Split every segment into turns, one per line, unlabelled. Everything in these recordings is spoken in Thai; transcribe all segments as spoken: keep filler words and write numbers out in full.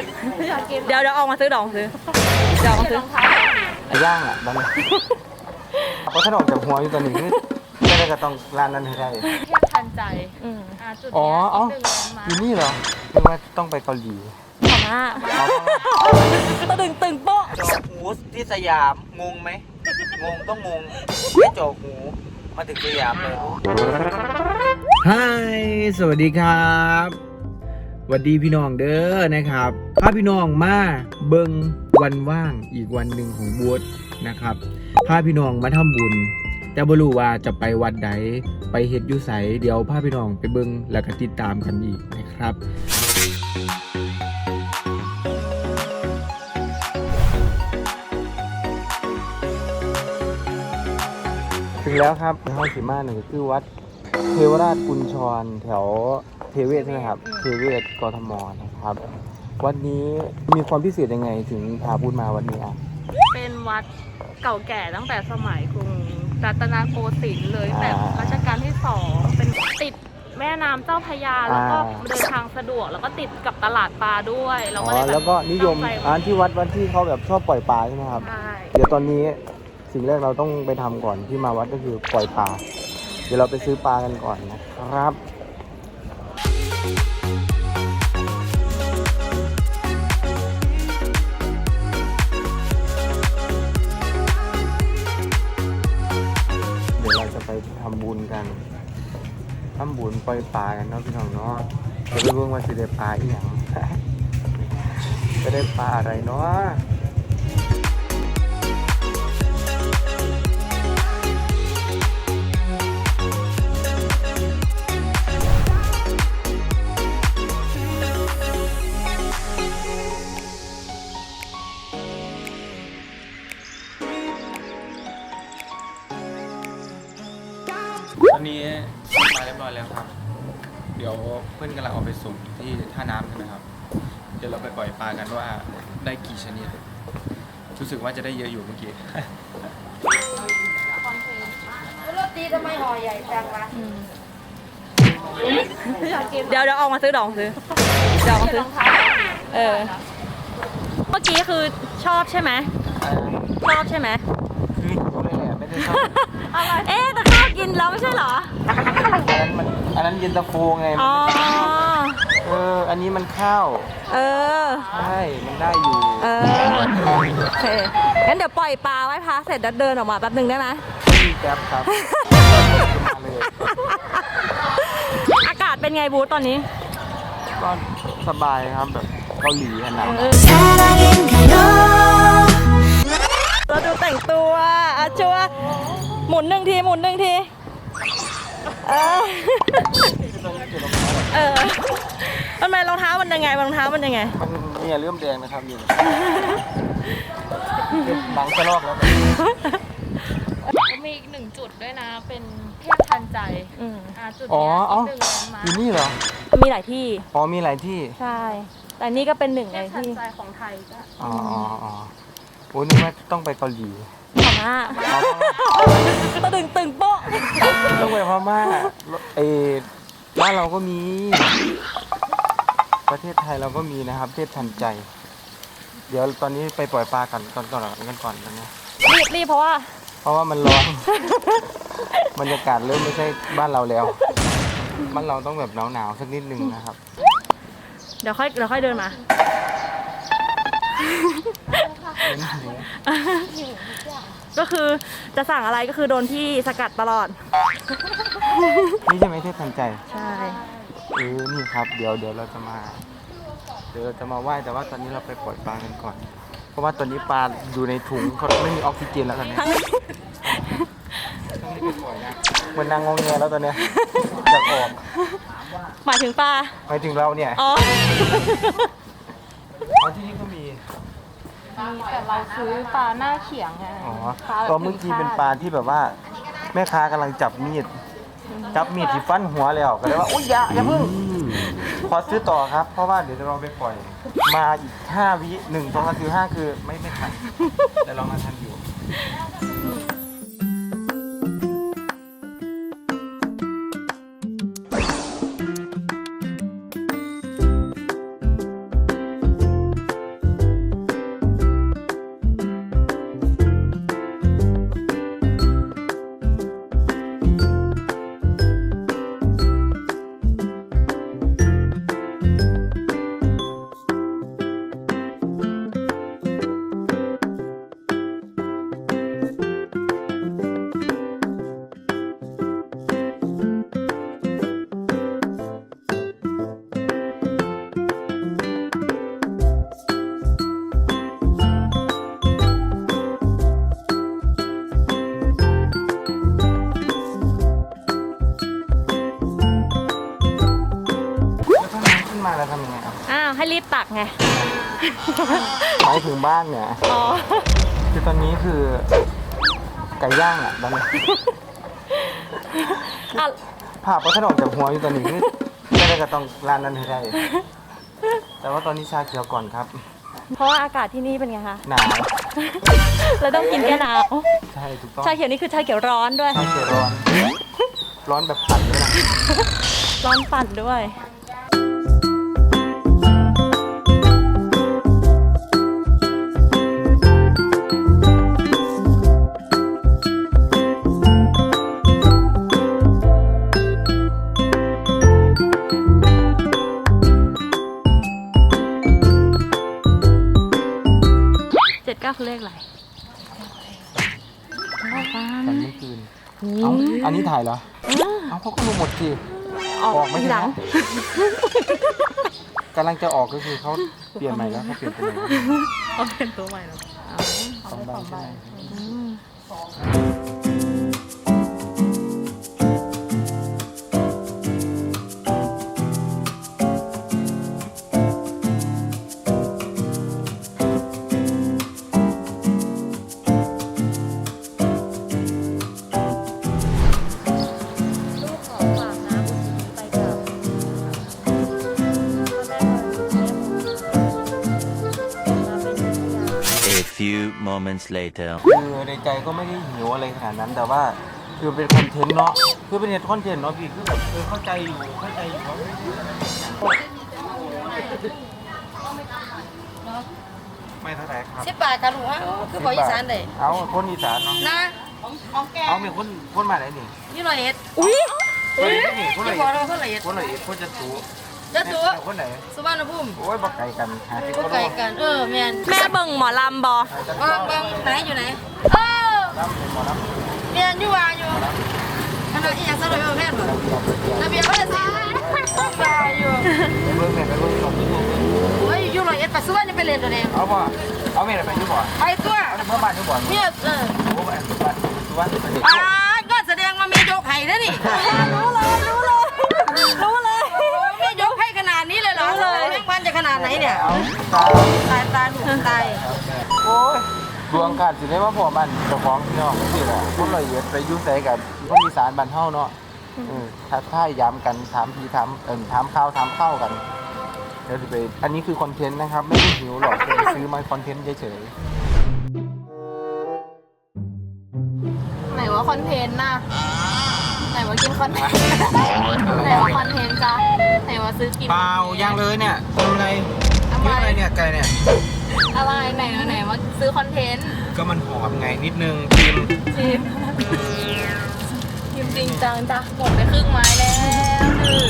เดี๋ยวเดี๋ยวออกมาซื้อดองซื้อเดี๋ยวออกมาซื้
อย่างอ่ะบ้านเพราะถ้าออกจากหัวอยู่ตอนนี้ไม่ได้ก็ต้องร้านนั้นให้ได้
เทียบทันใจจุดนี้
อ๋ออยู่นี่เหรอไม่ว่าต้องไปเกาหลี
ขอมาตะดึงตึงโป๊ะ
จอกหูที่สยามงงไหมงงต้องงงไม่จอกหูมาถึงสยามเลยฮายสวัสดีครับสวัสดีพี่น้องเด้อนะครับพาพี่น้องมาเบิ่งวันว่างอีกวันหนึ่งของบูธนะครับพาพี่น้องมาทำบุญแต่บ่รู้ว่าจะไปวัดใดไปเฮ็ดอยู่ไสเดี๋ยวพาพี่น้องไปเบิ่งแล้วก็ติดตามกันอีกนะครับถึงแล้วครับในห้องสีมาหนึ่งคือวัดเทวราชกุญชรแถวเทเวศใช่ไหมครับเทเวศกทมนะครับวัดนี้มีความพิเศษยังไงถึงพาพูดมาวันนี้อ่ะ
เป็นวัดเก่าแก่ตั้งแต่สมัยกรุงรัตนโกสินทร์เลยแต่รัชกาลที่สองเป็นติดแม่น้ำเจ้าพระยาแล้วก็เดินทางสะดวกแล้วก็ติดกับตลาดปลาด้วยแล้วก็เลย
แล้วก็นิยมอ่านที่วัดวันที่เขาแบบชอบปล่อยปลาใช่ไหมครับเดี๋ยวตอนนี้สิ่งแรกเราต้องไปทำก่อนที่มาวัดก็คือปล่อยปลาเดี๋ยวเราไปซื้อปลากันก่อนนะครับเดี๋ยวเราจะไปทำบุญกันทำบุญปล่อยปลากันเนาะพี่น้องเนาะจะไปเบิ่งว่าสิได้ปลาอีหยังจะได้ปลาอะไรเนาะตอนนี้มาเรียบร้อยแล้วครับเดี๋ยวเพื่อนกำลังเอาไปส่งที่ท่าน้ำใช่ไหมครับเดี๋ยวเราไปปล่อยปลากันว่าได้กี่ชนิดรู้สึกว่าจะได้เยอะอยู่เมื่อกี้
รถดีทำไมห่อใหญ่จังวะเดี๋ยวเดี๋ยวออกมาซื้อดองซื้อเดี๋ยวออกมาซื้อเออเมื่อกี้คือชอบใช่ไหมชอบใช่ไหม
คือรู้เลยแหละไม่ได้ชอบ
เอ๊ะแต่ข้าวกินแล้วไม่ใช่เหรอ
อันนั้นมันอันนั้นเย็นตาโฟไง
อ๋อ
เอออันนี้มันข้าว
เออ
ใช่มันได้อยู่
เออโอเคงั้นเดี๋ยวปล่อยปลาไว้พักเสร็จแล้วเดินออกมาแป๊บนึงได้ไหม
มีแป๊บครับ
อากาศเป็นไงบูธตอนนี้
ก็สบายครับแบบเกาหลีขนาด
เราดูแต่งตัวอาชัวหมุนหนึ่งทีหมุนหนึ่งทีเออเออทำไมรองเท้ามันยังไงรองเท้ามันยังไง
มันเนี่ยเริ่มแดงนะครับอยู่หนังจะลอกแล้ว
มีอีกหนึ่งจุดด้วยนะเป็นเทียบทันใจจุดนี้
อยู่นี่เหรอ
มีหลายที่
อ๋อมีหลายที่
ใช่แต่นี่ก็เป็นหนึ่งในที่
เทียบทันใจของไทยก็
อ๋ออ๋อโอ้นึกว่าต้องไปเกาหลี
พม่าตะดึงตึงโป๊ะ
ต้องไปพม่าเอบ้านเราก็มีประเทศไทยเราก็มีนะครับเทพทันใจเดี๋ยวตอนนี้ไปปล่อยปลากันก่อนก่อนกันก่อนตอนนี้
รีบรีบเพราะว่า
เพราะว่ามันร้อนบรรยากาศเริ่มไม่ใช่บ้านเราแล้วบ้านเราต้องแบบหนาวๆสักนิดนึงนะครับ
เดี๋ยวค่อยเดี๋ยวค่อยเดินมาก็คือจะสั่งอะไรก็คือโดนพี่สกัดตลอด
นี่ใช่ไหมเทพทันใจ
ใช่
เออนี่ครับเดี๋ยวเดี๋ยวเราจะมาเดี๋ยวเราจะมาไหว้แต่ว่าตอนนี้เราไปปล่อยปลากันก่อนเพราะว่าตอนนี้ปลาอยู่ในถุงเขาไม่มีออกซิเจนแล้วตอนนี้ต้องรีบไปปล่อยนะเหมือนนางงงเงียแล้วตอนนี้จะออก
หมายถึงปลา
หมายถึงเราเนี่ย
อ๋อ
ที่นี่ก็มี
แต่เราซื้อปลาหน้าเขียงไง
อ๋อก็เมื่อกี้เป็นปลาที่แบบว่าแม่ค้ากำลังจับมีดจับมีดที่ฟันหัวแล้วก็เลยว่าอุ้ยอย่าอย่าเพิ่งขอซื้อต่อครับเพราะว่าเดี๋ยวเราไปปล่อยมาอีกห้าวิหนึ่งสองสามสี่ห้าคือไม่ไม่ทันแต่เรามาทันอยู่มาแล้วทำยังไงครับ
อ้าวให้รีบตักไง
หมายถึงบ้านเนี่ย
อ๋อ
คือตอนนี้คือไก่ย่างอ่ะตอนนี้
อ่ะ
ผ่าพระถนนจากหัวอยู่ตอนนี้คือไม่ได้ก็ต้องร้านนั้นให้ได้ แต่ว่าตอนนี้ชาเขียวก่อนครับ
เพราะว่าอากาศที่นี่เป็นไงคะ
หนาว
เราต้องกินแก้หนาว
ใช่ถูกต้อง
ชาเขียวนี่คือชาเขียวร้อนด้วย
ชาเขียวร้อน ร้อนแบบปั่นด้วยนะ
ร้อนปั่นด้วย เจ็ดเก้าคือเลขอะไรเอาฟั
ตอน
น
นี้คืนเอาอันนี้ถ่ายเหรอ เอาเขาก็รู้หมดสิ
ออก
ออกไม่
ทีหลัง
กำลังจะออกก็คือเขาเปลี่ยนใหม่แล้วเขาเปลี่ยนตัวใหม่แล้ว
เขาเป็นตัวใหม่แล้ว
สองใบใช่ไหม
อืม ลูกขอฝากนะบุญนี้ไปกับพ่อแม่มาเป็นพยาน
A few moments later.
คือในใจก็ไม่ได้หิวอะไรขนาดนั้น แต่ว่าคือเป็นคอนเทนต์เนาะ คือเป็นเน็ตคอนเทนต์เนาะพี่ คือแบบเออเข้าใจอยู่ เข้าใจอยู่ว่าไม่เท่าไหร่ครับ
สิบบาทกันลูกฮะคือบอกอีสานเลย
เอาคนอีสานเนาะ
นะของแก
เอามีคนคนมาไหนนี่
ยี่ร้อยเอ็ด
อุ้ย
คนไหนนี่คนไหน
ที่บอกเราคนละเอ็ด
คนไหนคนจะสู
จะตัว
คนไหน
สุวรรณภูมิ
โอ้ยบักไก่กันหาที่
พวกไก่กัน เออแมน
แม่เบิ่งหมอลำบอ
บางบางไหนอยู่ไหนเออ
รับเป็นหมอรับ
เรียนอยู่ว่าอยู่คณะอีหยังสรุปเอาแพทย์บ่ระเบียบวัฒนศิลป์ว่าอยู่
ไปเบิ่งแม่ไปเบิ่งก่อนที่นี่
โอ้ยอยู่ร้อยเอ็ดปัสสาวะนี่ไปเรียนตัวเอง
เอาบ่เอาแม่ไปอยู่บ่
ไปตัว
เอาเมื่อบ้านอยู่บ่
เนี่ยเออ
โอ้แม่สุวรรณสุวรรณสุวรรณ
อ่าก็แสดงว่ามียกไห้แล้วนี่
รู้เลย รู้เลย รู้เลย
มียกให้ขนาดนี้เลยเหรอ
รู้เลย
แม่งวันจะขนาดไหนเนี่ย
เอาตา
ตายตายหนูตาย
โอ้ยดวงขาดสิได้ว่าพ่อมันเจ้าของพี่น้องสิแหละคนละเอียดไปยุ่งใส่กับคนอีสานบ้านเฮาเนาะเออทักทายย้ำกันถามทีถามเอิ่มถามข้าวถามข้าวกันเดี๋ยวสิไปอันนี้คือคอนเทนต์นะครับ ไม่ได้หิวหรอกคือซื้อมาคอนเทนต์เฉย
ไหนว่าคอนเทนต์น่ะไหนว่ากินคอนเทนต์ไหนว่าคอนเทนต์จ้ะไหนว่าซื้อกิน
ๆเปล่ายังเลยเนี่ยทำอะไร
ทำไม
เรื่องอะไรเนี่ยไก่เนี่ย
อะไรไหนไหนว่าซื้อคอนเทนต์
ก็มันหอมไงนิดนึงชิม
ชิมชิมจริงจังจ้ะหมดไปครึ่งไม้แล้วหนึ่ง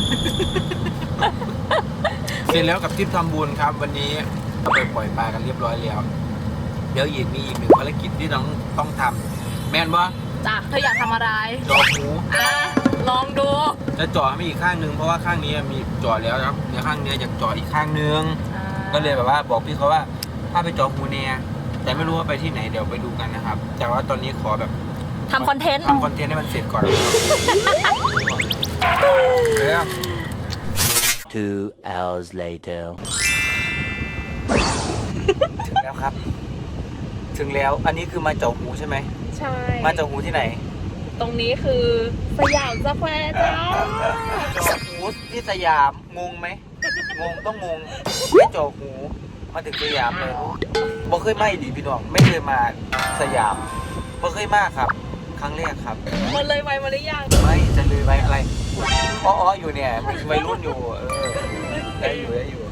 เสร็จแล้วกับทริปทำบุญครับ วันนี้เราไปปล่อยปลากันเรียบร้อยแล้วเดี๋ยวอีกมีอีกหนึ่งภารกิจที่ต้องต้องทำแม่นว่า
จ้ะเธออยากทำอะไร
จอหู
อ่ะลองดู
จะจ่อให้มีอีกข้างหนึงเพราะว่าข้างนี้มีจ่อแล้วนะครับเดี๋ยวข้างนี้อยากจ่ออีกข้างหนึง
อ่า
ก็เลยแบบว่าบอกพี่เขาว่าถ้าไปจ่อหูเนี่ยแต่ไม่รู้ว่าไปที่ไหนเดี๋ยวไปดูกันนะครับ แต่ว่าตอนนี้ขอแบบ
ทำคอนเทนต์
ทำคอนเทนต์ให้มันเสร็จก่อนเดี๋ยว
Two hours later.
ถึงแล้วครับ ถึงแล้วอันนี้คือมาจ่อหูใช่ไหม
ใช่
มาจ่อหูที่ไหน
ตรงนี้คือสยามสแควร์จ้า
จ่อหูที่สยามงงไหมงงต้องงงไม่จ่อหูมาถึงสยามเลยบ่เคยมาอีดีพี่น้องไม่เคยมาสยามบ่เคยมาครับ ครั้งแรกครับ
มันเลยไวมาหรือยัง
ไม่จะลืมไปอะไรอ้อๆอยู่เนี่ยมันวัยรุ่นอยู่เออได้อยู่ได้อยู่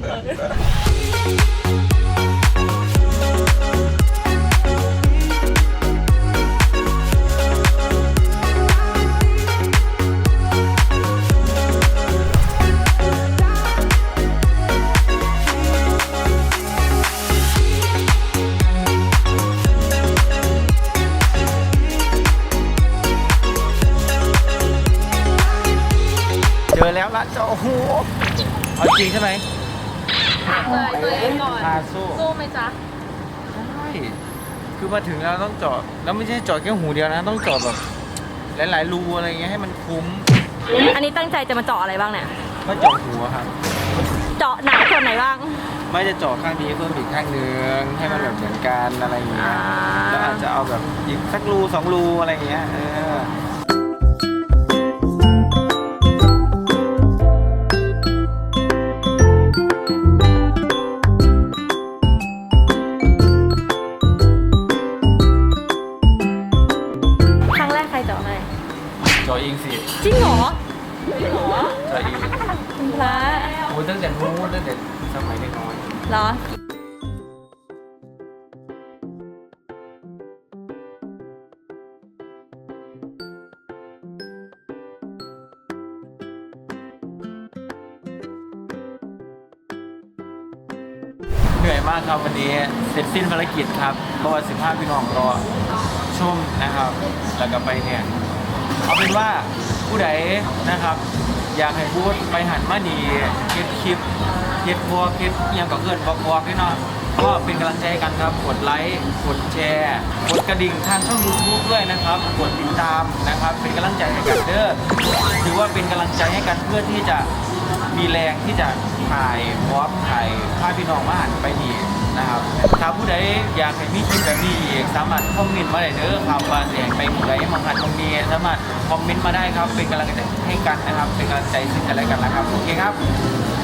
เจอแล้วละเจ้าโอ้โหเอาจริงใช่ไหม
เลยตัวเองก่อน
พาสู้
สู้ไหมจ๊ะ
ใช่คือมาถึงแล้วต้องเจาะแล้วไม่ใช่เจาะแค่หูเดียวนะ ต้องเจาะแบบหลายๆรูอะไรเงี้ยให้มันคุ้ม
อันนี้ตั้งใจจะมาเจาะอะไรบ้างเนี่ย
ก็เจาะหูอะครับ
เจาะหนาส่วนไหนบ้าง
ไม่จะเจาะข้างนี้เพิ่มอีกข้างหนึงให้มันแบบเหมือนกันอะไรอย่างเงี้ย
อ่า
แล้วอาจจะเอาแบบอีกสักรูสองรูอะไรอย่างเงี้ยเออ
ครั้งแรกใครเจาะให้
เจาะเองสิ
จริงเหรอ
เจาะเอง
คุณพระ
โอ้ตั้งแต่นู้นตั้งแต่สมัยเด็กน้อย
เหรอ
เหนื่อยมากครับวันนี้เสร็จสิ้นภารกิจครับเพราะว่าสิบห้าพี่น้องรอชมนะครับ แล้วก็ไปเนี่ยเอาเป็นว่าผู้ใดนะครับ อยากให้พูดไปหันมาดีเก็บคลิปเก็บพวกเก็บเอียงกับเพื่อนบอกบอกด้วยเนาะก็เป็นกำลังใจให้กันครับกดไลค์กดแชร์กดกระดิ่งทางช่อง ยูทูบ ด้วยนะครับกดติดตามนะครับเป็นกำลังใจให้กันเด้อถือว่าเป็นกำลังใจให้กันเพื่อที่จะมีแรงที่จะถ่ายพร้อมถ่ายภาพพี่น้องมาหันไปดีนะครับถ้าผู้ใดอยากให้มีคลิปแบบนี้อีกสามารถคอมเมนต์มาได้เด้อครับว่าเสียงไปผู้ใดมาหันตรงนี้สามารถคอมเมนต์มาได้ครับเป็นกำลังใจให้กันนะครับเป็นกำลังใจซึ่งกันและกันนะครับโอเคครับ